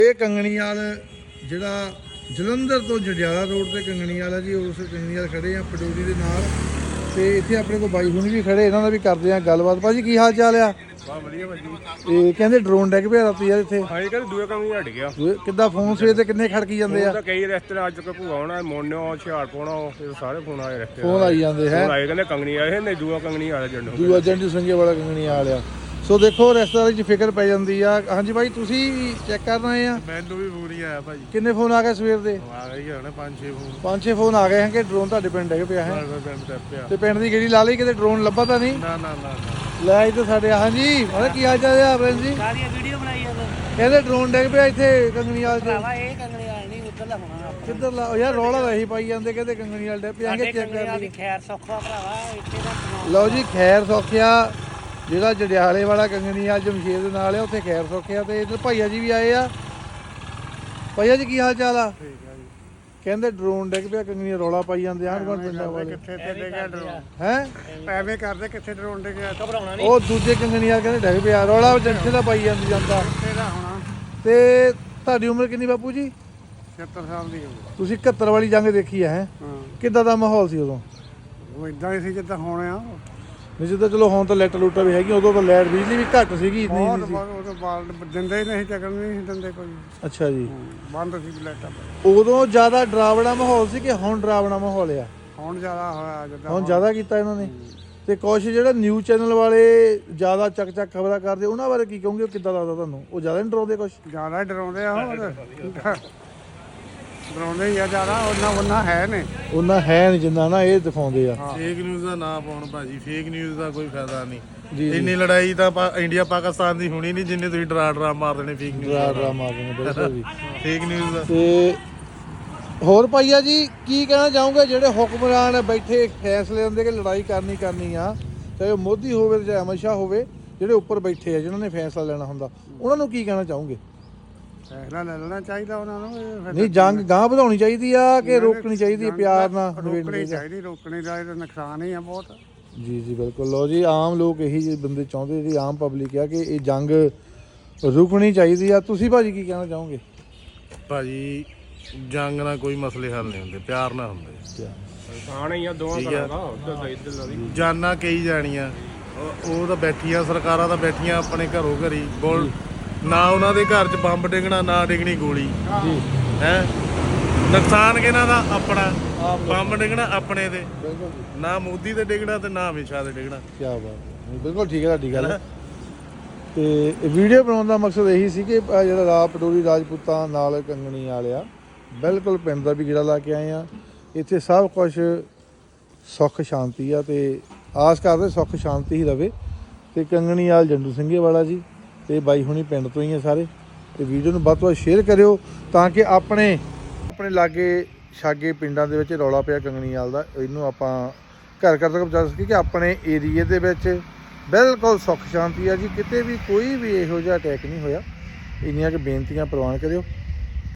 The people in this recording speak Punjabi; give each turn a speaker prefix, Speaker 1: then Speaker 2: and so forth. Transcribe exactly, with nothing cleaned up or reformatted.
Speaker 1: ਇਹ ਕੰਗਣੀਵਾਲ ਜਿਹੜਾ ਜਲੰਧਰ ਤੋਂ ਜੰਡਿਆਲਾ ਰੋਡ ਤੇ ਕੰਗਣੀਵਾਲ ਹੈ ਜੀ, ਉਸ ਕੰਗਣੀਵਾਲ ਖੜੇ ਆ ਪਟੋਰੀ ਦੇ ਨਾਲ। ਤੇ ਇੱਥੇ ਆਪਣੇ ਕੋਲ ਬਾਈ ਹੁਣੀ ਵੀ ਖੜੇ, ਇਹਨਾਂ ਦਾ ਵੀ ਕਰਦੇ ਆ ਗੱਲਬਾਤ। ਭਾਜੀ ਕੀ ਹਾਲ ਚਾਲ ਆ?
Speaker 2: ਬਹੁਤ ਵਧੀਆ ਭਾਜੀ।
Speaker 1: ਇਹ ਕਹਿੰਦੇ ਡਰੋਨ ਡੈਗ ਪਿਆ ਰਾਤੀ ਯਾਰ ਇੱਥੇ।
Speaker 2: ਹਾਂ, ਇਹ ਕਹਿੰਦੇ ਦੂਏ ਕੰਮ ਹੀ ਹਟ ਗਿਆ।
Speaker 1: ਕਿੱਦਾਂ ਫੋਨ ਸਵੇਰ ਤੇ ਕਿੰਨੇ ਖੜਕੀ ਜਾਂਦੇ ਆ?
Speaker 2: ਕਈ ਰਿਸ਼ਤੇਦਾਰ ਅੱਜ ਤੱਕ ਭੂਆ ਹੋਣਾ, ਮੋਨਿਓ, ਹੁਸ਼ਿਆਰਪੁਰ ਇਹ ਸਾਰੇ ਫੋਨ ਆਏ ਰਿਸ਼ਤੇਦਾਰ।
Speaker 1: ਫੋਨ ਆਈ ਜਾਂਦੇ ਹੈ।
Speaker 2: ਫੋਨ ਆਏ ਕਹਿੰਦੇ ਕੰਗਣੀ ਆਏ ਨੇ, ਦੂਆ ਕੰਗਣੀ ਆ ਜੰਡੂ
Speaker 1: ਦੂਆ ਜੰਡੂ ਸੰਗੇ ਵਾਲਾ ਕੰਗਣੀਵਾਲ ਆ। ਸੋ ਦੇਖੋ ਰਿਸ਼ਤੇਦਾਰੀ 'ਚ ਫਿਕਰ ਪੈ ਜਾਂਦੀ ਆ। ਹਾਂਜੀ ਭਾਈ ਤੁਸੀਂ ਚੈੱਕ ਕਰਨ ਆਏ ਆ?
Speaker 2: ਮੈਨੂੰ ਵੀ ਫੋਨ ਹੀ ਆਇਆ ਭਾਜੀ।
Speaker 1: ਕਿੰਨੇ ਫੋਨ ਆ ਗਏ ਸਵੇਰ ਦੇ?
Speaker 2: ਆ ਗਏ ਹੋਣੇ ਪੰਜ ਛੇ ਫੋਨ।
Speaker 1: ਪੰਜ ਛੇ ਫੋਨ ਆ ਗਏ ਹਨ ਕਿ ਡਰੋਨ ਤੁਹਾਡੇ ਪਿੰਡ ਡਿੱਗ ਪਿਆ ਹੈ?
Speaker 2: ਪਿਆ
Speaker 1: ਤੇ ਪਿੰਡ ਦੀ ਗੇੜੀ ਲਾ ਲਈ, ਕਿਤੇ ਡਰੋਨ ਲੱਭਾ ਤਾਂ ਨਹੀਂ?
Speaker 2: ਨਾ ਨਾ ਨਾ
Speaker 1: ਲੈ ਇੱਥੇ ਸਾਡੇ। ਹਾਂਜੀ ਮਤਲਬ ਕੀ ਹਾਲ ਚਾਲ ਆ ਬ੍ਰਿੰਦ ਜੀ?
Speaker 3: ਸਾਰੀਆਂ ਵੀਡੀਓ ਬਣਾਈ ਆ
Speaker 1: ਕਹਿੰਦੇ ਡਰੋਨ ਡਿੱਗ ਪਿਆ ਇੱਥੇ ਕੰਗਣੀਵਾਲ 'ਚ।
Speaker 3: ਭਰਾਵਾ ਇਹ ਕੰਗਣੀਵਾਲ ਨਹੀਂ ਉੱਧਰਲਾ ਹੋਣਾ।
Speaker 1: ਕਿੱਧਰ ਲਾ ਯਾਰ? ਰੌਲਾ ਤਾਂ ਇਹੀ ਪਾਈ ਜਾਂਦੇ, ਕਹਿੰਦੇ ਕੰਗਣੀਵਾਲ ਡਿੱਗ ਪਿਆ।
Speaker 3: ਸਾਡੇ
Speaker 1: ਚੈੱਕ ਕਰ
Speaker 3: ਕੰਗਣੀਵਾਲ
Speaker 1: ਲਈ।
Speaker 3: ਦੀ ਖੈਰ ਸੌਖਾ ਭਰਾਵਾ ਇੱਥੇ ਦਾ।
Speaker 1: ਲਓ ਜੀ ਖੈਰ ਸੌਖਿਆ ਜਿਹੜਾ ਜੰਡਿਆਲੇ ਵਾਲਾ ਕੰਗਣੀਵਾਲ ਜਮਸ਼ੇਰ ਦੇ ਨਾਲ ਆ, ਉੱਥੇ ਖੈਰ ਸੌਖਿਆ। ਤੇ ਇੱਧਰ ਭਾਈਆ ਜੀ ਵੀ ਆਏ ਆ। ਭਾਈਆ ਜੀ ਕੀ ਹਾਲ ਚਾਲ ਆ? ਕਹਿੰਦੇ ਡਰੋਨ ਡਿੱਗ ਪਿਆ ਕੰਗਣੀਵਾਲ, ਰੌਲਾ ਪਾਈ ਜਾਂਦੇ ਆਂਢ ਗੁਆਂਢ ਪਿੰਡਾਂ ਵਾਲੇ।
Speaker 2: ਕਿੱਥੇ ਤੇ ਡਿੱਗਿਆ ਡਰੋਨ?
Speaker 1: ਹੈ
Speaker 2: ਐਵੇਂ ਕਰਦੇ ਕਿੱਥੇ ਡਰੋਨ ਡਿੱਗਿਆ?
Speaker 3: ਘਬਰਾਉਣਾ ਨਹੀਂ।
Speaker 1: ਉਹ ਦੂਜੇ ਕੰਗਣੀਵਾਲ ਕਹਿੰਦੇ ਡਿੱਗ ਪਿਆ, ਰੌਲਾ ਜੰਥੇ ਦਾ ਪਾਈ ਜਾਂਦੀ ਜਾਂਦਾ।
Speaker 2: ਕਿੱਥੇ ਦਾ ਹੋਣਾ?
Speaker 1: ਤੇ ਤੁਹਾਡੀ ਉਮਰ ਕਿੰਨੀ ਬਾਪੂ ਜੀ?
Speaker 2: ਸੱਤਰ ਸਾਲ ਦੀ ਹੋ ਗਈ।
Speaker 1: ਤੁਸੀਂ ਇਕਹੱਤਰ ਵਾਲੀ ਜੰਗ ਦੇਖੀ ਹੈ?
Speaker 2: ਹਾਂ,
Speaker 1: ਕਿੱਦਾਂ ਦਾ ਮਾਹੌਲ ਸੀ ਉਦੋਂ?
Speaker 2: ਉਹ ਇਦਾਂ ਹੀ ਸੀ ਜਿੱਦਾਂ ਹੁਣ ਆ।
Speaker 1: ਨਹੀਂ ਜਿੱਦਾਂ ਚਲੋ ਹੁਣ ਤਾਂ ਲੈਟ ਲੂਟਾਂ ਵੀ ਹੈਗੀ, ਉਦੋਂ ਤਾਂ ਲਾਈਟ ਬਿਜਲੀ ਵੀ ਘੱਟ ਸੀਗੀ, ਇੰਨੀ
Speaker 2: ਬਹੁਤ
Speaker 1: ਨਹੀਂ ਸੀ।
Speaker 2: ਬਹੁਤ ਉਹ ਬਾਲ ਦਿੰਦੇ ਹੀ ਨਹੀਂ, ਚੱਕਣ ਨਹੀਂ ਸੀ ਦਿੰਦੇ ਕੋਈ।
Speaker 1: ਅੱਛਾ ਜੀ।
Speaker 2: ਬੰਦ ਸੀ ਲਾਈਟਾਂ।
Speaker 1: ਉਦੋਂ ਜ਼ਿਆਦਾ ਡਰਾਵਣਾ ਮਾਹੌਲ ਸੀ ਕਿ ਹੁਣ ਡਰਾਵਣਾ ਮਾਹੌਲ ਆ?
Speaker 2: ਹੁਣ ਜ਼ਿਆਦਾ ਹੋਇਆ ਜਿੱਦਾਂ
Speaker 1: ਹੁਣ ਜ਼ਿਆਦਾ ਕੀਤਾ ਇਹਨਾਂ ਨੇ। ਤੇ ਕੁਛ ਜਿਹੜਾ ਨਿਊਜ਼ ਚੈਨਲ ਵਾਲੇ ਜ਼ਿਆਦਾ ਚੱਕ ਚੱਕ ਖਬਰਾਂ ਕਰਦੇ, ਉਹਨਾਂ ਬਾਰੇ ਕੀ ਕਹੋਗੇ? ਉਹ ਕਿੱਦਾਂ ਲੱਗਦਾ ਤੁਹਾਨੂੰ? ਉਹ ਜ਼ਿਆਦਾ ਨਹੀਂ ਡਰਾਉਂਦੇ ਕੁਛ?
Speaker 2: ਜ਼ਿਆਦਾ ਹੀ ਡਰਾਉਂਦੇ ਆ। ਹੋਰ ਡਰਾਉਂਦੇ ਹੀ ਆ ਜ਼ਿਆਦਾ, ਉਹਨਾਂ ਉਹਨਾਂ ਹੈ ਨੇ।
Speaker 1: ਉਹਨਾਂ ਹੈ ਨਹੀਂ ਜਿੰਨਾ ਨਾ ਇਹ ਦਿਖਾਉਂਦੇ ਆ।
Speaker 4: ਫੇਕ ਨਿਊਜ਼ ਦਾ ਨਾ ਪਾਉਣ ਭਾਜੀ, ਫੇਕ ਨਿਊਜ਼ ਦਾ ਕੋਈ ਫਾਇਦਾ ਨਹੀਂ।
Speaker 1: ਜੀ
Speaker 4: ਇੰਨੀ ਲੜਾਈ ਤਾਂ ਪਾ- ਇੰਡੀਆ ਪਾਕਿਸਤਾਨ ਦੀ ਹੋਣੀ ਨਹੀਂ ਜਿੰਨੇ ਤੁਸੀਂ ਡਰਾ ਡਰਾ ਮਾਰ ਦੇਣੇ ਫੇਕ ਨਿਊਜ਼।
Speaker 1: ਡਰਾ ਡਰਾ ਮਾਰਦੇ ਨੇ ਬਿਲਕੁਲ ਵੀ।
Speaker 4: ਫੇਕ ਨਿਊਜ਼ ਦਾ
Speaker 1: ਤੇ ਹੋਰ ਭਾਈਆ ਜੀ ਕੀ ਕਹਿਣਾ ਚਾਹੋਗੇ ਜਿਹੜੇ ਹੁਕਮਰਾਨ ਬੈਠੇ ਫੈਸਲੇ ਲੈਂਦੇ ਕਿ ਲੜਾਈ ਕਰਨੀ ਕਰਨੀ ਆ, ਚਾਹੇ ਉਹ ਮੋਦੀ ਹੋਵੇ ਤੇ ਚਾਹੇ ਅਮਿਤ ਸ਼ਾਹ ਹੋਵੇ, ਜਿਹੜੇ ਉੱਪਰ ਬੈਠੇ ਆ ਜਿਨ੍ਹਾਂ ਨੇ ਫੈਸਲਾ ਲੈਣਾ ਹੁੰਦਾ, ਉਹਨਾਂ ਨੂੰ ਕੀ ਕਹਿਣਾ ਚਾਹੋਗੇ?
Speaker 2: ਫੈਸਲਾ ਲੈ ਲੈਣਾ ਚਾਹੀਦਾ ਉਹਨਾਂ ਨੂੰ। ਇਹ ਫਿਰ
Speaker 1: ਨਹੀਂ ਜੰਗ ਗਾਂਹ ਵਧਾਉਣੀ ਚਾਹੀਦੀ ਆ ਕਿ ਰੋਕਣੀ ਚਾਹੀਦੀ ਹੈ? ਪਿਆਰ ਨਾਲ
Speaker 2: ਰੋਕਣੀ
Speaker 1: ਨਿਬੇੜਨੀ
Speaker 2: ਚਾਹੀਦੀ। ਰੋਕਣੀ ਦਾ ਇਹ ਨੁਕਸਾਨ ਹੀ ਆ ਬਹੁਤ।
Speaker 1: ਜੀ ਜੀ ਬਿਲਕੁਲ। ਲਓ ਜੀ ਆਮ ਲੋਕ ਇਹੀ ਜਿਹੇ ਬੰਦੇ ਚਾਹੁੰਦੇ, ਜਿਹੜੀ ਆਮ ਪਬਲਿਕ ਆ, ਕਿ ਇਹ ਜੰਗ ਰੁਕਣੀ ਚਾਹੀਦੀ ਆ। ਤੁਸੀਂ ਭਾਜੀ ਕੀ ਕਹਿਣਾ ਚਾਹੋਗੇ?
Speaker 4: ਭਾਜੀ ਜੰਗ ਨਾਲ ਕੋਈ ਮਸਲੇ ਹੱਲ ਨਹੀਂ ਹੁੰਦੇ, ਪਿਆਰ ਨਾਲ ਹੁੰਦੇ।
Speaker 2: ਨੁਕਸਾਨ ਹੀ ਆ ਦੋਵਾਂ ਤਰ੍ਹਾਂ ਦਾ, ਉੱਧਰ ਦਾ ਇੱਧਰ ਦਾ ਵੀ।
Speaker 4: ਜਾਨਾਂ ਕਈ ਜਾਣੀਆਂ, ਉਹ ਉਹ ਤਾਂ ਬੈਠੀਆਂ, ਸਰਕਾਰਾਂ ਤਾਂ ਬੈਠੀਆਂ ਆਪਣੇ ਘਰੋਂ ਘਰੀ ਗੋਲ, ਨਾ ਉਹਨਾਂ ਦੇ ਘਰ 'ਚ ਬੰਬ ਡਿੱਗਣਾ, ਨਾ ਡਿੱਗਣੀ ਗੋਲੀ।
Speaker 1: ਜੀ
Speaker 4: ਹੈ ਨੁਕਸਾਨ ਕਿਹਨਾਂ ਦਾ? ਆਪਣਾ। ਬੰਬ ਡਿੱਗਣਾ ਆਪਣੇ ਤੇ,
Speaker 1: ਬਿਲਕੁਲ ਜੀ।
Speaker 4: ਨਾ ਮੋਦੀ ਤੇ ਡਿੱਗਣਾ ਤੇ ਨਾ ਅਮਿਤ ਸ਼ਾਹ ਤੇ ਡਿੱਗਣਾ।
Speaker 1: ਕੀ ਬਾਤ ਹੈ, ਬਿਲਕੁਲ ਠੀਕ ਹੈ ਤੁਹਾਡੀ ਗੱਲ। ਤੇ ਵੀਡੀਓ ਬਣਾਉਣ ਦਾ ਮਕਸਦ ਇਹੀ ਸੀ ਕਿ ਆਹ ਜਿਹੜਾ ਰਾਹ ਪਟੋਰੀ ਰਾਜਪੂਤਾਂ ਨਾਲ ਕੰਗਣੀਵਾਲ ਆ, ਬਿਲਕੁਲ ਪਿੰਡ ਦਾ ਵੀ ਗੇੜਾ ਲਾ ਕੇ ਆਏ ਆ। ਇੱਥੇ ਸਭ ਕੁਝ ਸੁੱਖ ਸ਼ਾਂਤੀ ਆ, ਤੇ ਆਸ ਕਰਦੇ ਸੁੱਖ ਸ਼ਾਂਤੀ ਹੀ ਰਵੇ। ਤੇ ਕੰਗਣੀਵਾਲ ਜੰਡੂ ਸਿੰਘੇ ਵਾਲਾ ਜੀ ਤੇ ਬਾਈ ਹੁਣੀ ਪਿੰਡ ਤੋਂ ਹੀ ਆ ਸਾਰੇ। ਤੇ ਵੀਡੀਓ ਨੂੰ ਵੱਧ ਤੋਂ ਵੱਧ ਸ਼ੇਅਰ ਕਰਿਓ ਤਾਂ ਕਿ ਆਪਣੇ ਆਪਣੇ ਲਾਗੇ ਛਾਗੇ ਪਿੰਡਾਂ ਦੇ ਵਿੱਚ ਰੌਲਾ ਪਿਆ ਕੰਗਣੀਵਾਲ ਦਾ, ਇਹਨੂੰ ਆਪਾਂ ਘਰ ਘਰ ਤੱਕ ਪਹੁੰਚਾ ਸਕੀਏ ਕਿ ਆਪਣੇ ਏਰੀਏ ਦੇ ਵਿੱਚ ਬਿਲਕੁਲ ਸੁੱਖ ਸ਼ਾਂਤੀ ਆ ਜੀ, ਕਿਤੇ ਵੀ ਕੋਈ ਵੀ ਇਹੋ ਜਿਹਾ ਅਟੈਕ ਨਹੀਂ ਹੋਇਆ। ਇੰਨੀਆਂ ਕਿ ਬੇਨਤੀਆਂ ਪ੍ਰਵਾਨ ਕਰਿਓ।